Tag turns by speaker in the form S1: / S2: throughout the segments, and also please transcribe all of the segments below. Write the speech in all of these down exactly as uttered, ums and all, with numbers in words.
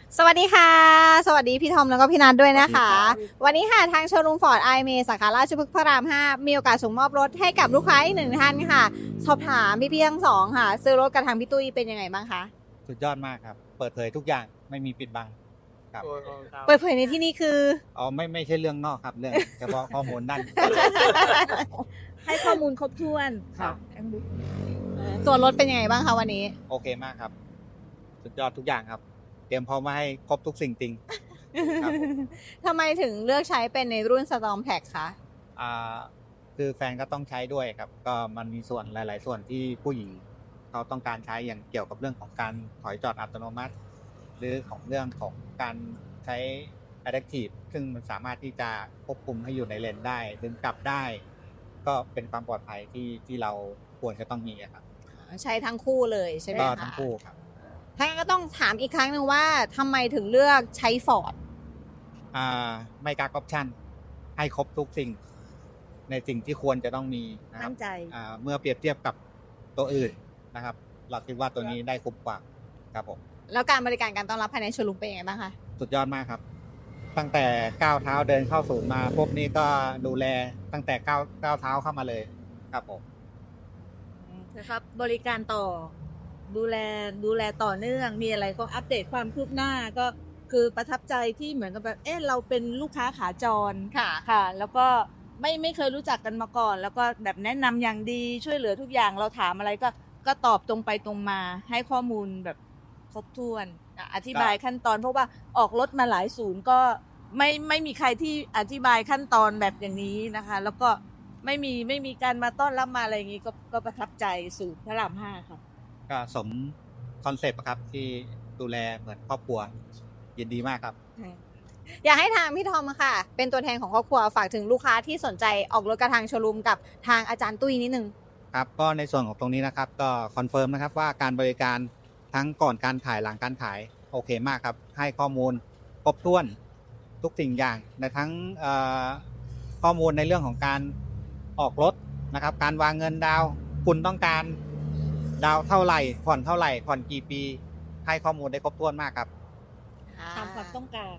S1: สวัสดีค่ะ สวัสดีพี่ทอมแล้วก็พี่นัทด้วยนะคะ วันนี้ค่ะทางโชว์รูมฟอร์ดไอเมสาขาราชพฤกษ์พระรามห้ามีโอกาสส่งมอบรถให้กับลูกค้าอีกหนึ่งท่านค่ะ สอบถามพี่ๆทั้งสองค่ะ ซื้อรถกับทางพี่ตุ้ยเป็นยังไงบ้างคะ
S2: สุดยอดมากครับ เปิดเผยทุกอย่างไม่มีปิดบังครับ
S1: เปิดเผยในที่นี้คือ
S2: อ๋อไม่ไม่ใช่เรื่องนอกครับ เรื่องเฉพาะข้อมูลด้าน
S3: ให้ข้อมูลครบถ้วน
S2: ครับ
S1: ส่วนรถเป็นยังไงบ้างคะวันนี้
S2: โอเคมากครับ สุดยอดทุกอย่างครับ เตรียมพร้อมมาให้ครบทุกสิ่งจริงครับผม
S1: ทำไมถึงเลือกใช้เป็นในรุ่น Storm Pack คะ
S2: อ่าคือแฟนก็ต้องใช้ด้วยครับ ก็มันมีส่วนหลาย ๆ ส่วนที่ผู้หญิงเขาต้องการใช้อย่างเกี่ยวกับเรื่องของการถอยจอดอัตโนมัติ หรือของเรื่องของการใช้ Adaptive ซึ่งมันสามารถที่จะควบคุมให้อยู่ในเลนได้ดึงกลับได้ ก็เป็นความปลอดภัยที่ที่เราควรจะต้องมีอะครับ
S1: ใช้ทั้งคู่เลยใช่ไหม
S2: ก็
S1: คะ
S2: ทั้งคู่ครับ
S1: ถ้างั้นก็ต้องถามอีกครั้งหนึ่งว่าทำไมถึงเลือกใช้ฟอร์ด
S2: อ่าไม่กักออปชั่นให้ครบทุกสิ่ง ในสิ่งที่ควรจะต้องมีนะครั
S3: มั่
S2: บ
S3: นใจ
S2: อ่าเมื่อเปรียบเทียบกับตัวอื่นนะครับ เราคิดว่าตัวนี้ได้คุ้มกว่าครับผม
S1: แล้วการบริการการต้อนรับภายในโชว์รูมเป็นยังไงบ้างคะ
S2: สุดยอดมากครับ ตั้งแต่ก้าวเท้าเดินเข้าศูนย์มาพวกนี้ก็ดูแลตั้งแต่ก้าวก้าวเท้าเข้ามาเลยครับผม
S3: นะครับบริการต่อดูแลดูแลต่อเนื่องมีอะไรก็อัปเดตความคืบหน้าก็คือประทับใจที่เหมือนกับแบบเออเราเป็นลูกค้าขาจร
S1: ค่ะ
S3: ค่ะ แล้วก็ไม่ไม่เคยรู้จักกันมาก่อน แล้วก็แบบแนะนำอย่างดีช่วยเหลือทุกอย่างเราถามอะไรก็ก็ตอบตรงไปตรงมาให้ข้อมูลแบบครบถ้วนอ่ะอธิบายขั้นตอน เพราะว่าออกรถมาหลายศูนย์ก็ไม่ไม่มีใครที่อธิบายขั้นตอนแบบอย่างนี้นะคะ แล้วก็ไม่มีไม่มีการมาต้อนรับมาอะไรอย่างนี้ก็ก็ประทับใจศูนย์พระรามห้าค่ะ
S2: ก็สมคอนเซปต์ครับที่ดูแลเหมือนครอบครัวยินดีมากครับ
S1: อยากให้ทางพี่ทอมค่ะ เป็นตัวแทนของครอบครัวฝากถึงลูกค้าที่สนใจออกรถกับทางโชว์รูมกับทางอาจารย์ตุ้ยนิดนึง
S2: ครับก็ในส่วนของตรงนี้นะครับก็คอนเฟิร์มนะครับว่าการบริการทั้งก่อนการขายหลังการขายโอเคมากครับ ให้ข้อมูลครบถ้วนทุกสิ่งอย่างในทั้งเอ่อข้อมูลในเรื่องของการออกรถนะครับ การวางเงินดาวน์คุณต้องการดาวน์เท่าไหร่ผ่อนเท่าไหร่ผ่อนกี่ปี ให้ข้อมูลได้ครบถ้วนมากครับ
S3: ตามความต้องการ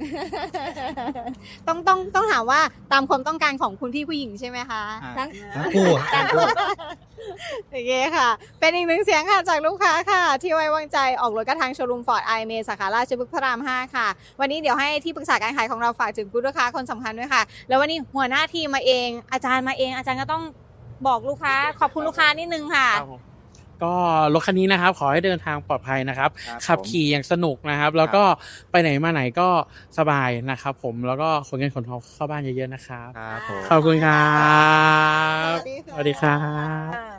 S1: ต้องต้องต้องถามว่าตามความต้องการของคุณพี่ผู้หญิงใช่ไหมคะ
S2: อ่า
S3: ทั้ง
S2: ทั้งคู่ทั้งคู่
S1: โอเคค่ะ เป็นอีกหนึ่งเสียงค่ะจากลูกค้าค่ะ ที่ไว้วางใจออกรถกับทางโชว์รูมฟอร์ดไอเมสาขาราชพฤกษ์พระรามห้าค่ะ วันนี้เดี๋ยวให้ที่ปรึกษาการขายของเราฝากถึงคุณลูกค้าคนสำคัญด้วยค่ะ แล้ววันนี้หัวหน้าทีมมาเอง อาจารย์มาเอง อาจารย์ก็ต้องบอกลูกค้าขอบคุณลูกค้านิดนึงค่ะ
S4: ก็รถคันนี้นะครับขอให้เดินทางปลอดภัยนะครับ
S2: ครับ
S4: ขับ
S2: ผม
S4: ขี่อย่างสนุกนะครับ แล้วก็ไปไหนมาไหนก็สบายนะครับผมแล้วก็ขนเงินขนทองเข้าบ้านเยอะๆนะครับ
S2: ครับผม
S4: ขอบคุณครับ
S1: สวัสดีค่ะ
S4: สวัสดีครับ